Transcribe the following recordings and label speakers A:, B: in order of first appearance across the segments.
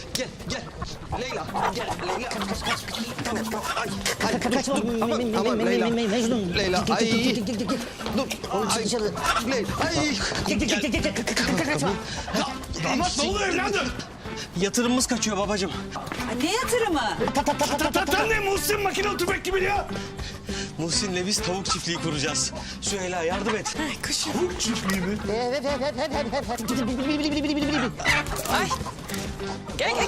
A: Gel, gel. Leyla, gel. Leyla. Kaç. Tamam. Ay,
B: Kaçma.
A: Aman Leyla.
B: Mecnun.
A: Leyla, ay. Dur.
B: Oğlum çık dışarı.
A: Leyla, ay.
B: Kaçma.
C: Damat ne oluyor evladım?
A: Yatırımımız kaçıyor babacığım.
D: Ne yatırımı?
C: Tam ne Muhsin makine tüfek gibi ya?
A: Muhsin'le biz tavuk çiftliği kuracağız. Süheyla yardım et.
C: Tavuk çiftliği mi?
D: Ay. Gel.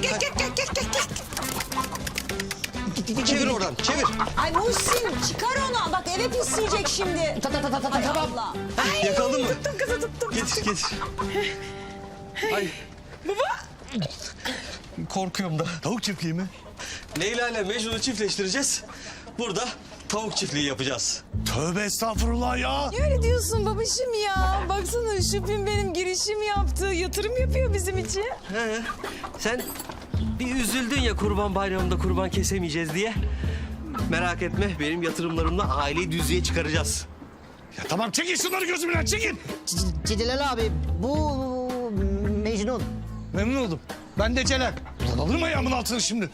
A: Çevir oradan, çevir.
D: Ay Muhsin çıkar onu. Bak eve pisleyecek şimdi. Hay Allah.
A: Yakaladın mı?
D: Tuttum kızı tuttum.
A: Getir. Ay. Baba. Korkuyorum da.
C: Tavuk çiftliği mi?
A: Leyla ile Mecnun'u çiftleştireceğiz. Burada tavuk çiftliği yapacağız.
C: Tövbe estağfurullah ya.
E: Ne öyle diyorsun babacığım ya? Baksana Şüphin benim girişim yaptı. Yatırım yapıyor bizim için.
A: He. Sen bir üzüldün ya Kurban Bayramı'nda kurban kesemeyeceğiz diye. Merak etme, benim yatırımlarımla aileyi düzlüğe çıkaracağız.
C: Ya tamam çekin şunları gözümden çekin.
B: Celal abi bu Mecnun.
C: Memnun oldum. Ben de Celal. Ulan alır mı ayağımın altını şimdi?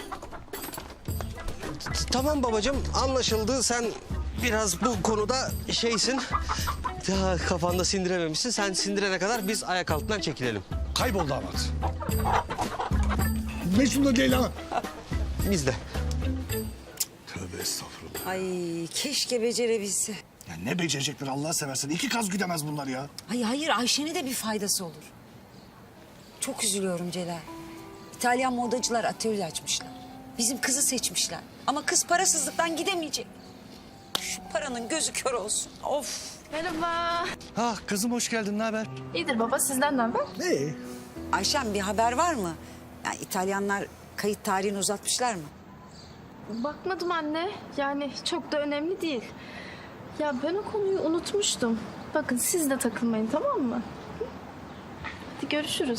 A: Tamam babacığım, anlaşıldı. Sen biraz bu konuda şeysin. Daha kafanda sindirememişsin. Sen sindirene kadar biz ayak altından çekilelim.
C: Kayboldu damat. Mecnun'la Leyla.
A: Biz de.
C: Tövbe estağfurullah.
D: Ay keşke becerebilse.
C: Ya ne becerecekler Allah seversen. 2 kaz güdemez bunlar ya.
D: Ay hayır Ayşe'ne de bir faydası olur. Çok üzülüyorum Celal. İtalyan modacılar atölye açmışlar. Bizim kızı seçmişler. Ama kız parasızlıktan gidemeyecek. Şu paranın gözü kör olsun. Of.
E: Merhaba.
C: Ah kızım hoş geldin. Ne haber?
E: İyidir baba sizden ne haber?
C: Ne?
D: Ayşem bir haber var mı? Yani İtalyanlar kayıt tarihini uzatmışlar mı?
E: Bakmadım anne. Yani çok da önemli değil. Ya ben o konuyu unutmuştum. Bakın siz de takılmayın tamam mı? Hı? Hadi görüşürüz.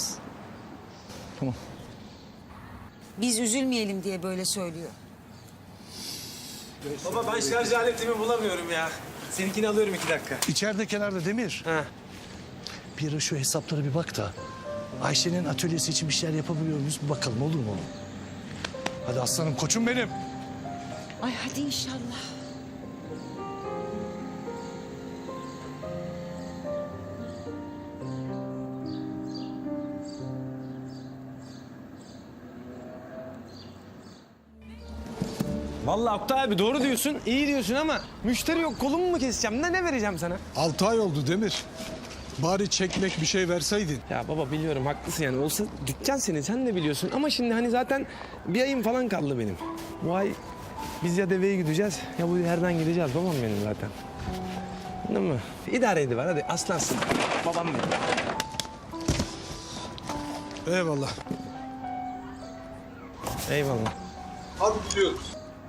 D: Biz üzülmeyelim diye böyle söylüyor.
F: Baba ben şarj aletimi bulamıyorum ya. Seninkini alıyorum 2 dakika.
C: İçeride kenarda Demir.
A: Ha.
C: Bir ara şu hesaplara bir bak da Ayşe'nin atölyesi için bir şeyler yapabiliyor muyuz? Bir bakalım olur mu? Hadi aslanım koçum benim.
D: Ay hadi inşallah.
F: Vallahi Oktay abi doğru diyorsun, iyi diyorsun ama müşteri yok, kolumu mu keseceğim? Ne vereceğim sana?
G: 6 ay oldu Demir. Bari çekmek bir şey verseydin.
F: Ya baba biliyorum haklısın yani olsa dükkan senin sen de biliyorsun ama şimdi hani zaten bir ayım falan kaldı benim. Bu ay biz ya deveye gideceğiz ya bu yerden gideceğiz babam benim zaten. Anladın mı? İdare ediver hadi aslansın. Babam benim.
G: Eyvallah.
F: Eyvallah.
G: Hadi gidiyoruz.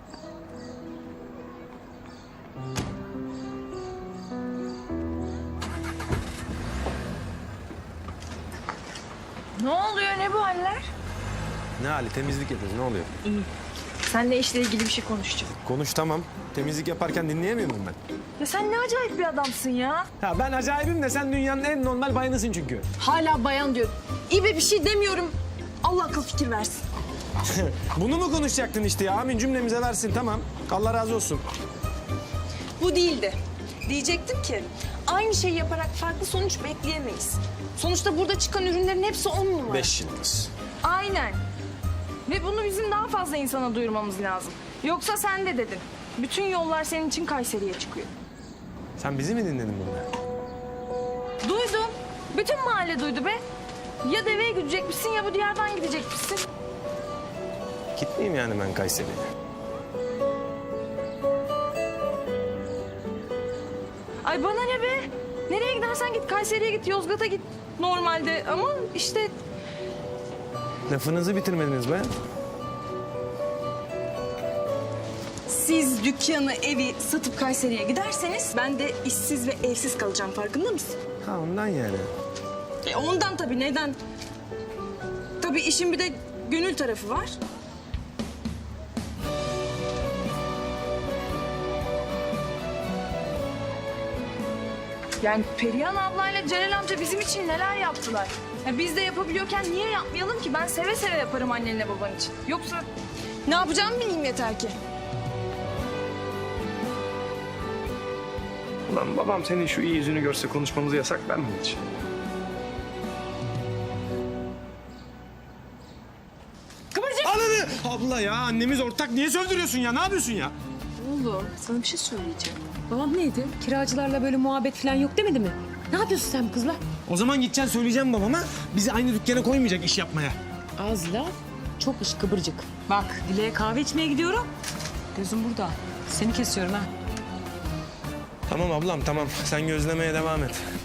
E: Ne oluyor ne bu haller?
F: Ne hali temizlik yapıyoruz ne oluyor?
E: İyi. Seninle işle ilgili bir şey konuşacağım.
F: Konuş tamam. Temizlik yaparken dinleyemiyor muyum ben?
E: Ya sen ne acayip bir adamsın ya.
F: Ya ben acayibim de sen dünyanın en normal bayanısın çünkü.
E: Hala bayan diyor. İyi be bir şey demiyorum. Allah akıl fikir versin.
F: Bunu mu konuşacaktın işte ya? Amin cümlemize versin tamam. Allah razı olsun.
E: Bu değildi. Diyecektim ki aynı şeyi yaparak farklı sonuç bekleyemeyiz. Sonuçta burada çıkan ürünlerin hepsi 10 numara.
F: 5 yıldız.
E: Aynen. Ve bunu bizim daha fazla insana duyurmamız lazım. Yoksa sen de dedin. Bütün yollar senin için Kayseri'ye çıkıyor.
F: Sen bizi mi dinledin burada?
E: Duydum. Bütün mahalle duydu be. Ya deveye gidecekmişsin ya bu diyardan gidecekmişsin.
F: Gitmeyeyim yani ben Kayseri'ye.
E: Ay bana ne be? Nereye gidersen git. Kayseri'ye git, Yozgat'a git. Normalde ama işte
F: Lafınızı bitirmediniz be.
E: siz dükkanı, evi satıp Kayseri'ye giderseniz ben de işsiz ve evsiz kalacağım. Farkında mısın?
F: Ha ondan yani.
E: Ondan tabii. Neden? Tabii işin bir de gönül tarafı var. Yani Perihan ablayla Celal amca bizim için neler yaptılar. Ya biz de yapabiliyorken niye yapmayalım ki? Ben seve seve yaparım annenle baban için. Yoksa ne yapacağımı bileyim yeter ki.
F: Ulan babam senin şu iyi yüzünü görse konuşmamızı yasaklar mı hiç? Ananı! Abla ya annemiz ortak niye söndürüyorsun ya? Ne yapıyorsun ya?
E: Oğlum sana bir şey söyleyeceğim.
H: Babam neydi? Kiracılarla böyle muhabbet falan yok demedi mi? Ne yapıyorsun sen bu kızla?
F: O zaman gideceksin söyleyeceğim babama. Bizi aynı dükkana koymayacak iş yapmaya.
H: Az laf, çok iş kıvırcık. Bak Dile'ye kahve içmeye gidiyorum. Gözüm burada. Seni kesiyorum ha.
F: Tamam ablam tamam. Sen gözlemeye devam et.